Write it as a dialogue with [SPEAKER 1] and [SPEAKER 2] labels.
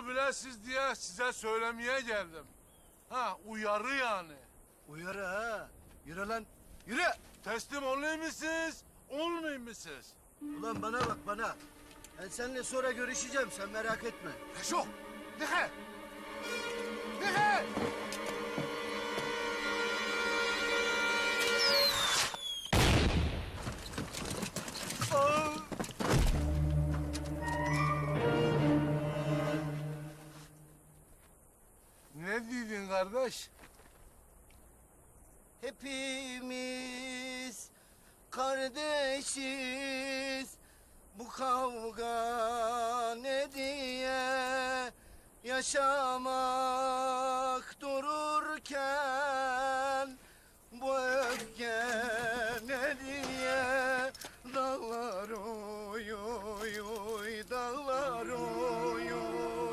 [SPEAKER 1] Bunu bilesiz diye size söylemeye geldim. Ha, uyarı yani.
[SPEAKER 2] Uyarı ha. Yürü lan. Yürü.
[SPEAKER 1] Teslim olayım mısınız, olmayayım mısınız?
[SPEAKER 2] Ulan bana bak bana. Ben seninle sonra görüşeceğim, sen merak etme.
[SPEAKER 1] Reşo, dikkat! Dikkat! Ne dedin kardeş?
[SPEAKER 2] Hepimiz kardeşiz. Bu kavga ne diye yaşamak dururken